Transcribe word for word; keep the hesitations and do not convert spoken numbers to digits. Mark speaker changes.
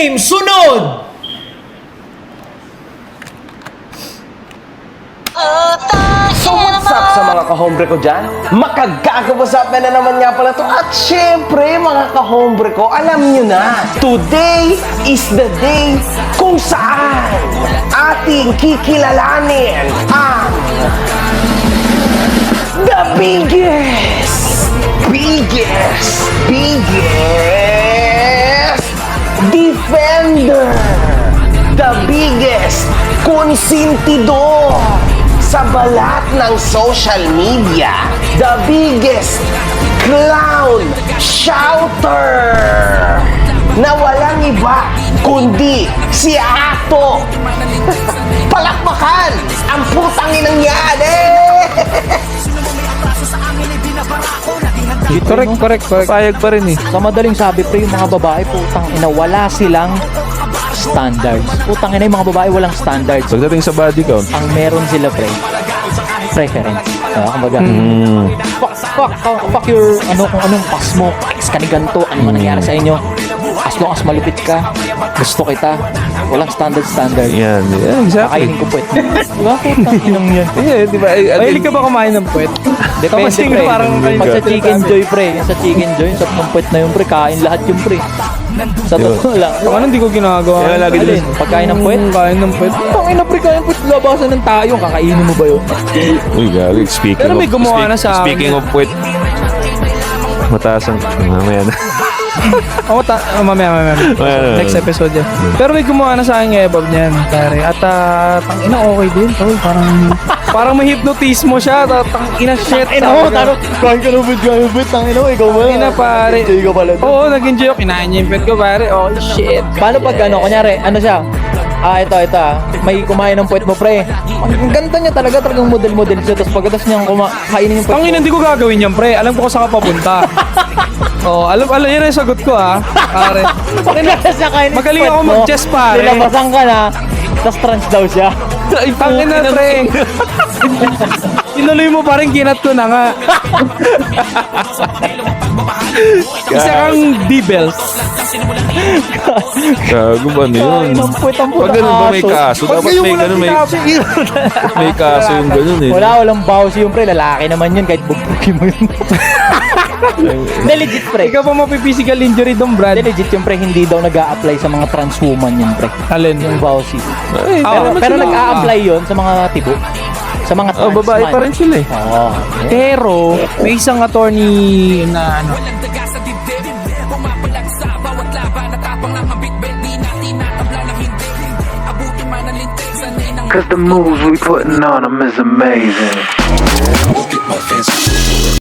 Speaker 1: Game sunod!
Speaker 2: So what's up sa mga kahombre ko dyan? Makagkakabasapin na naman nga pala to. At syempre mga kahombre ko, alam nyo na, today is the day kung saan ating kikilalanin ang the biggest, biggest, biggest defender, the biggest konsentidor sa balat ng social media, the biggest clown shouter na walang iba kundi si Ato. Palakpakan ang putang inang yan eh!
Speaker 3: Correct, correct, correct. Payag pa rin eh.
Speaker 1: Sa madaling sabi, pre, yung mga babae, putang ina, wala silang standards. Putang ina, yung mga babae walang standards.
Speaker 3: Pagdating sa body count,
Speaker 1: Ang meron sila, pre, preference. Uh, kumbaga,
Speaker 3: mm,
Speaker 1: fuck, fuck, fuck, fuck your, ano, kung anong pas mo, ex ka ni ganito, ano man nangyari sa inyo. As long as malupit ka, gusto kita, walang standard standard.
Speaker 3: yan. Yeah, exactly.
Speaker 1: Kakainin ko puwet mo. Diba? Putang inang yan.
Speaker 3: Yeah, di ba? Eh,
Speaker 4: Mahilig ka ba kumain ng puwet?
Speaker 1: Depende,
Speaker 4: Kasi
Speaker 1: pre.
Speaker 4: parang
Speaker 1: Pag sa chicken joy, pre, yung sa chicken joy, sa pumpet na yung pre, kain lahat yung pre. Sa totoo lang.
Speaker 4: Ako ano, hindi ko ginagawa.
Speaker 3: Kaya lagi
Speaker 1: Alin?
Speaker 3: din.
Speaker 1: Pagkain ng puwet?
Speaker 4: Mm, Kain ng puwet.
Speaker 1: Ang ina, pre, kain puwet, labasan ng tayo, kakainin mo ba yun?
Speaker 3: Uy, galing. Speaking
Speaker 4: Pero may
Speaker 3: of,
Speaker 4: gumawa
Speaker 3: speak-
Speaker 4: na sa akin.
Speaker 3: Speaking of puwet, mataas ang, mamaya na.
Speaker 4: Oo, ta- oh, mamaya, mamaya.
Speaker 3: Mamaya na.
Speaker 4: Next episode yan. Pero may gumawa na sa akin ng ebab niyan, pare. At uh, tangina, okay din. Tol, parang, parang may hypnotismo siya. Ta- Tangina, shit.
Speaker 1: Ina mo, taro, kain ka ng puwet, kain ng puwet, tangina mo, ikaw ba?
Speaker 4: Tangina, pare.
Speaker 1: Enjoy ka pala.
Speaker 4: Oo, nag-enjoy ako. Kinain niya yung pet ko, pare. Oh, shit.
Speaker 1: Paano pag ano, kunyari, ano siya? Ah, ito, ito ah. May kumain ng puwet mo, pre. Ang ganda niya talaga, talagang model-model siya. Tapos pagkatas niyang kuma- kainin yung puwet
Speaker 4: Tangina,
Speaker 1: mo.
Speaker 4: hindi ko gagawin yan, pre. Alam ko kung saan ka papunta. Oh, alam, alam, yan ang sagot ko, ha. Pare.
Speaker 1: Pagkatas niya kainin yung
Speaker 4: Magaling
Speaker 1: puwet
Speaker 4: ako
Speaker 1: mo,
Speaker 4: mag-chess, pare.
Speaker 1: Nilabasan ka na, tapos trans daw siya.
Speaker 4: Tangina, pre. Tinuloy mo pa rin, kinat ko na nga. Isa kang D-Bells.
Speaker 3: Gago ba na yun?
Speaker 1: Kain ng puwet ang
Speaker 3: Pag
Speaker 1: putang
Speaker 3: ganun ba may
Speaker 1: aso.
Speaker 3: kaso?
Speaker 4: Pag
Speaker 3: Dapat
Speaker 4: kayo
Speaker 3: may
Speaker 4: walang
Speaker 3: ganun, may,
Speaker 4: sinabi.
Speaker 3: may kaso yung ganun eh.
Speaker 1: Wala, walang bawas yung pre. Lalaki naman yun kahit bugbugi mo yun. Hindi, legit pre.
Speaker 4: Ikaw pa mapi-physical injury doon, Brad.
Speaker 1: Hindi, legit yung pre. Hindi daw nag-a-apply sa mga trans woman yun pre.
Speaker 4: Alin?
Speaker 1: Yung vowsy.
Speaker 3: Ay,
Speaker 4: Ah,
Speaker 1: Pero,
Speaker 3: naman
Speaker 1: pero
Speaker 3: sila.
Speaker 1: nag-a-apply yun sa mga tibo. Sa mga trans
Speaker 3: Oh, babae
Speaker 1: man.
Speaker 3: pa rin sila eh.
Speaker 1: Oo.
Speaker 4: Pero, may isang attorney na ano,
Speaker 5: Cause the moves we putting on them is amazing.
Speaker 6: Get my fancy